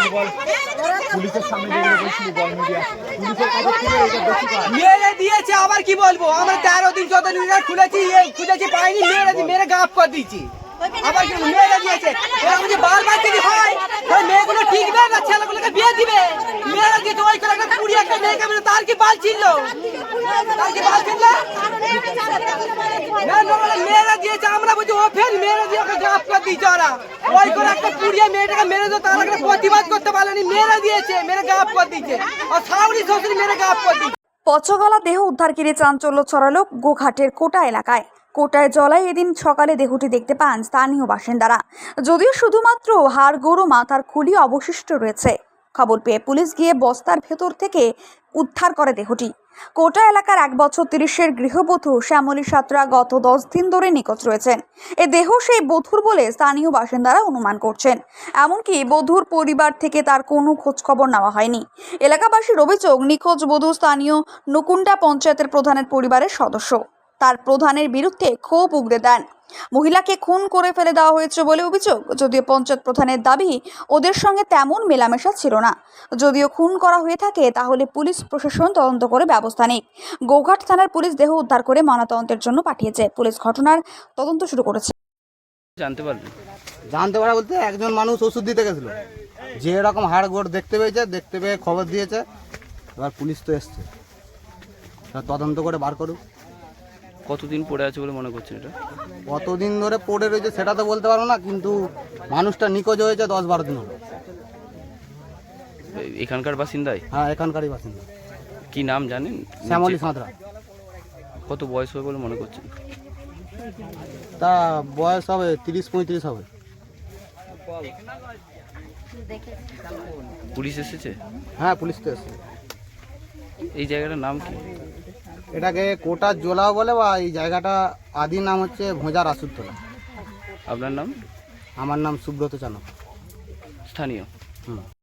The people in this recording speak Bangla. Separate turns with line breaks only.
মেরে দিয়েছে, আবার কি বলবো? আমরা 13 দিন 14 দিন খুঁজেছি পাইনি, মেরে গাপ করে দিয়েছি। আবার কি মেরে দিয়েছে? এরকম যে বারবার যদি হয় ওই মেয়েগুলো ঠিকবে না ছেলেগুলোকে বিয়ে দিবে? মেরে দিয়েছে ওই করে একটা কুড়ি একটা মেয়েকে মেরে, তার কি বাল ছিল? তার কি বাল ছিল? না মেরে দিয়েছে, আমরা বলছি ও ফের মেরে দিয়ে ওকে গাপ করে দিয়েছে। ওরা ওই করে একটা কুড়িয়ে মেয়েটাকে মেরে দিয়েছে, তার একটা প্রতিবাদ করতে পারেনি, মেরে দিয়েছে, মেরে গাপ করে দিয়েছে। আর শাশুড়ি শ্বশুর মেরে গাপ করে দিয়েছে।
পচগলা দেহ উদ্ধার ঘিরে চাঞ্চল্য ছড়ালো গোঘাটের কোটা এলাকায়। কোটায় জলায় এদিন সকালে দেহটি দেখতে পান স্থানীয় বাসিন্দারা। যদিও শুধুমাত্র হাড় গোড়ো মাথার খুলি অবশিষ্ট রয়েছে। খবর পেয়ে পুলিশ গিয়ে বস্তার ভেতর থেকে উদ্ধার করে দেহটি। কোটা এলাকার 1 বছর 30-এর গৃহবধূ শ্যামলী সাঁতরা গত 10 দিন ধরে নিখোঁজ রয়েছেন। এ দেহ সেই বধূর বলে স্থানীয় বাসিন্দারা অনুমান করছেন। এমনকি বধূর পরিবার থেকে তার কোনো খোঁজখবর নেওয়া হয়নি। এলাকাবাসীর অভিযোগ, নিখোঁজ বধূ স্থানীয় নুকুন্ডা পঞ্চায়েতের প্রধানের পরিবারের সদস্য। তার প্রধানের বিরুদ্ধে ক্ষোভ উগরে দেন। মহিলাকে খুন করে ফেলে দেওয়া হয়েছে বলে অভিযোগ। যদিও পঞ্চায়েত প্রধানের দাবি ওদের সঙ্গে তেমন মেলামেশা ছিল না। যদিও খুন করা হয়ে থাকে তাহলে পুলিশ প্রশাসন তদন্ত করে ব্যবস্থা নিক। গোঘাট থানার পুলিশ দেহ উদ্ধার করে ময়নাতদন্তের জন্য পাঠিয়েছে। পুলিশ ঘটনার তদন্ত শুরু করেছে।
জানতে পারা বলতে একজন মানুষ ওষুধ দিতে গেছিল, যে এরকম হাড় গোড় দেখতে পেয়েছে, দেখতে পেয়ে খবর দিয়েছে। এবার পুলিশ তো এসছে, তদন্ত করে বার করুক।
কতদিন পড়ে আছে বলে মনে করছেন এটা?
কতদিন ধরে পড়ে রয়েছে সেটা তো বলতে পারবো না, কিন্তু মানুষটা নিখোঁজ হয়েছে 10-12 দিন হলো।
এখানকার বাসিন্দাই?
হ্যাঁ, এখানকারই বাসিন্দা।
কি নাম জানেন?
শ্যামলী সাঁতরা।
কত বয়স হবে বলে মনে করছেন?
তা বয়স হবে 30-35 হবে।
পুলিশ এসেছে?
হ্যাঁ, পুলিশ তো এসছে।
এই জায়গাটার নাম কি?
এটাকে কোটার জোলাও বলে, বা এই জায়গাটা আদি নাম হচ্ছে ভোঁজার আসুরতলা।
আপনার নাম?
আমার নাম সুব্রত চানক।
স্থানীয়?
হুম।